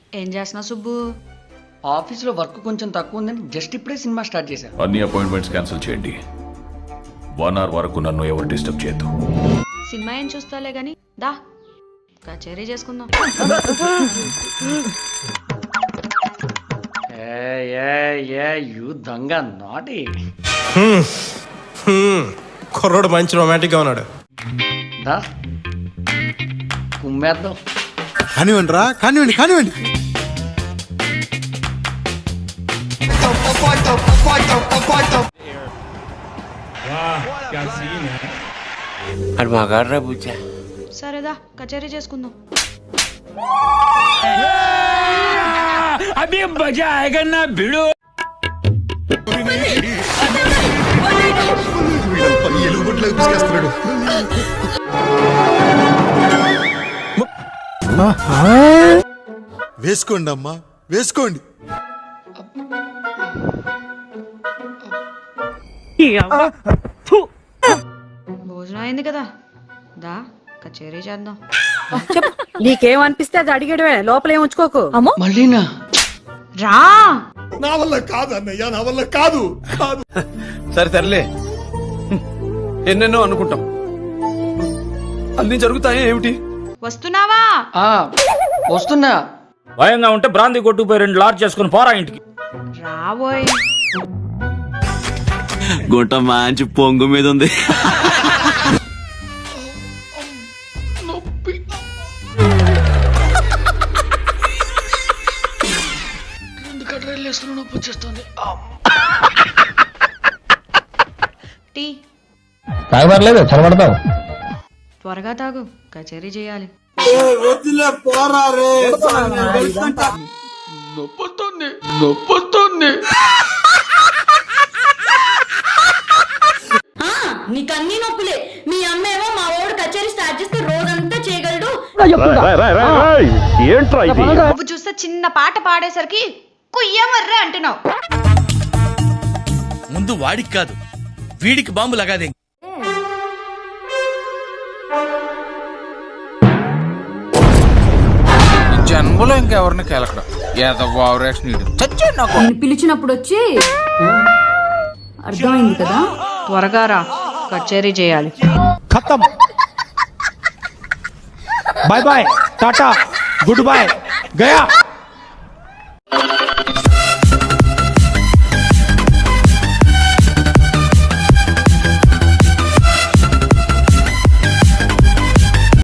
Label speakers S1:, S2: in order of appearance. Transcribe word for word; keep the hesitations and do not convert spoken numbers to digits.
S1: ఏం చేస్తున్నావు సుబ్బు?
S2: ఆఫీస్లో వర్క్ కొంచెం తక్కువ ఉందని జస్ట్ ఇప్పుడే సినిమా స్టార్ట్ చేశాను.
S3: అన్ని అపాయింట్మెంట్స్ క్యాన్సిల్ చేయండి. వన్ అవర్ వరకు నన్ను ఎవరు డిస్టర్బ్ చేయొద్దు.
S1: సినిమా ఏం చూస్తాలే గాని దా కచేరీ చేసుకుందాం.
S2: ఏ ఏ ఏ యూ దొంగ నాటి.
S4: కుర్రోడు మంచి రొమాంటిక్గా ఉన్నాడు.
S2: దా కుమ్మేద్దాం.
S5: కానివ్వండి రా, కానివ్వండి కానివ్వండి.
S1: సరేదా కచేరీ చేసుకుందాం.
S6: అభి మజా ఆయేగా నా భిడు.
S5: వేసుకోండి అమ్మా, వేసుకోండి.
S1: భోజనం అయింది కదా, దా కచేరీ చేద్దాం.
S7: నీకేమనిపిస్తే అది అడిగడమే, లోపల ఏం ఉంచుకోకు.
S1: అమ్మో
S2: మళ్ళీనా?
S1: రా.
S5: నా వల్ల కాదు అన్నయ్య, నా వల్ల కాదు కాదు.
S4: సరే తరలే, ఎన్నెన్నో అనుకుంటాం, అన్ని జరుగుతాయి ఏమిటి?
S1: వస్తున్నావా?
S2: ఆ వస్తున్నా.
S6: భయంగా ఉంటే బ్రాంతి కొట్టుకుపోయి రెండు లార్జ్ చేసుకుని పోరా ఇంటికి.
S1: రాబోయ్.
S8: గుంట మంచి పొంగు మీద ఉంది.
S2: రెండు కట్రైలు వేసుకుని నొప్పి వచ్చేస్తుంది.
S1: టీ
S6: తాగబడలేదు, చదవడతావు.
S1: త్వరగా తాగు, కచేరీ చేయాలి.
S2: నొప్పొస్తుంది నొప్పొస్తుంది.
S7: నీకన్నీ నొప్పులే. మీ అమ్మేమో మా ఓడు కచేరీ స్టార్ట్ చేస్తే రోజంతా చేయగలడు.
S6: ఏంట్రా ఇది?
S1: నువ్వు చూస్తే చిన్న పాట పాడేసరికి కుయ్యమర్రే అంటున్నావు.
S9: ముందు వాడికి కాదు వీడికి బాంబు లగాదే.
S10: జన్మలో ఇంకెవరిని కెలకడం
S7: నేను పిలిచినప్పుడు వచ్చి అర్థమైంది కదా.
S1: త్వరగా రా, కచేరీ చేయాలి.
S6: ఖతం. బాయ్ బాయ్, టాటా, గుడ్ బాయ్, గయా.